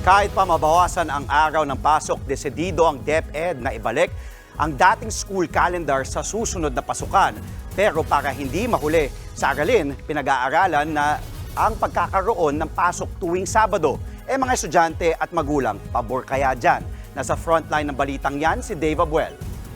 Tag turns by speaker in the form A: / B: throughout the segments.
A: Kahit pa mabawasan ang araw ng pasok, desidido ang DepEd na ibalik ang dating school calendar sa susunod na pasukan. Pero para hindi mahuli sa aralin, pinag-aaralan na ang pagkakaroon ng pasok tuwing Sabado. Mga estudyante at magulang, pabor kaya dyan? Nasa frontline ng balitang yan si Dave Abuel.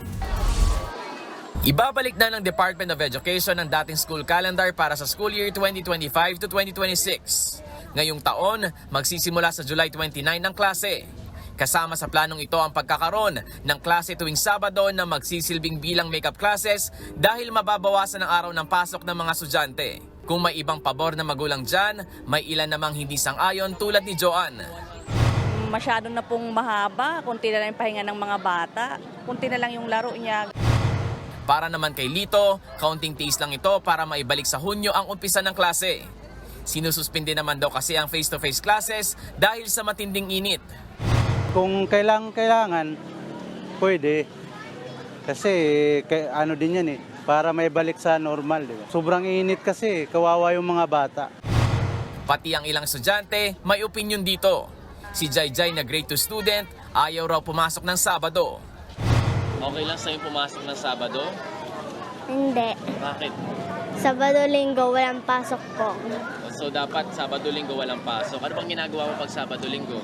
B: Ibabalik na ng Department of Education ang dating school calendar para sa school year 2025 to 2026. Ngayong taon, magsisimula sa July 29 ng klase. Kasama sa planong ito ang pagkakaroon ng klase tuwing Sabado na magsisilbing bilang makeup classes dahil mababawasan ang araw ng pasok ng mga estudyante. Kung may ibang pabor na magulang dyan, may ilan namang hindi sang-ayon tulad ni Joanne.
C: Masyado na pong mahaba, kunti na lang yung pahinga ng mga bata, kunti na lang yung laro niya.
B: Para naman kay Lito, kaunting tiis lang ito para maibalik sa Hunyo ang umpisa ng klase. Sinususpindi naman daw kasi ang face-to-face classes dahil sa matinding init.
D: Kung kailangan, pwede. Kasi ano din yan para may balik sa normal. Diba? Sobrang init kasi, kawawa yung mga bata.
B: Pati ang ilang estudyante, may opinion dito. Si Jai na grade 2 student, ayaw raw pumasok ng Sabado.
E: Okay lang sa'yo pumasok ng Sabado?
F: Hindi.
E: Bakit?
F: Sabado-linggo, walang pasok po.
E: So dapat Sabado-Linggo walang pasok. Ano bang ginagawa mo pag Sabado-Linggo?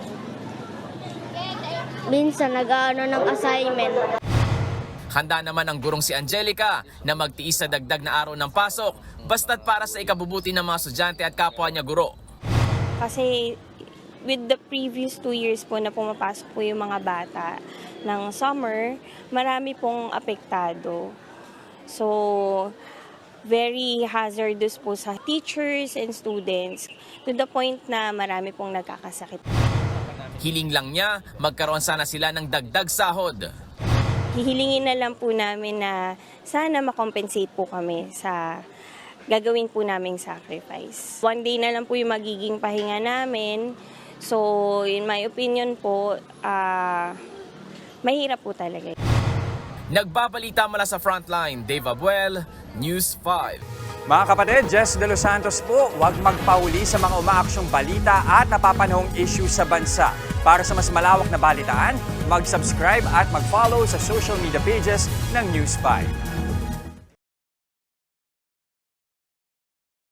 F: Minsan, nag-ano ng assignment.
B: Handa naman ang gurong si Angelica na magtiis sa dagdag na araw ng pasok basta't para sa ikabubuti ng mga estudyante at kapwa niya guro.
G: Kasi with the previous 2 years po na pumapasok po yung mga bata ng summer, marami pong apektado. So, very hazardous po sa teachers and students to the point na marami pong nagkakasakit.
B: Hiling lang niya, magkaroon sana sila ng dagdag sahod.
G: Hihilingin na lang po namin na sana makompensate po kami sa gagawin po naming sacrifice. 1 day na lang po yung magiging pahinga namin. So, in my opinion po, mahirap po talaga.
B: Nagbabalita mula sa frontline, Dave Abuel, News 5.
H: Mga kapatid, Jess De Los Santos po, huwag magpahuli sa mga umaaksyong balita at napapanahong issue sa bansa. Para sa mas malawak na balitaan, mag-subscribe at mag-follow sa social media pages ng News 5.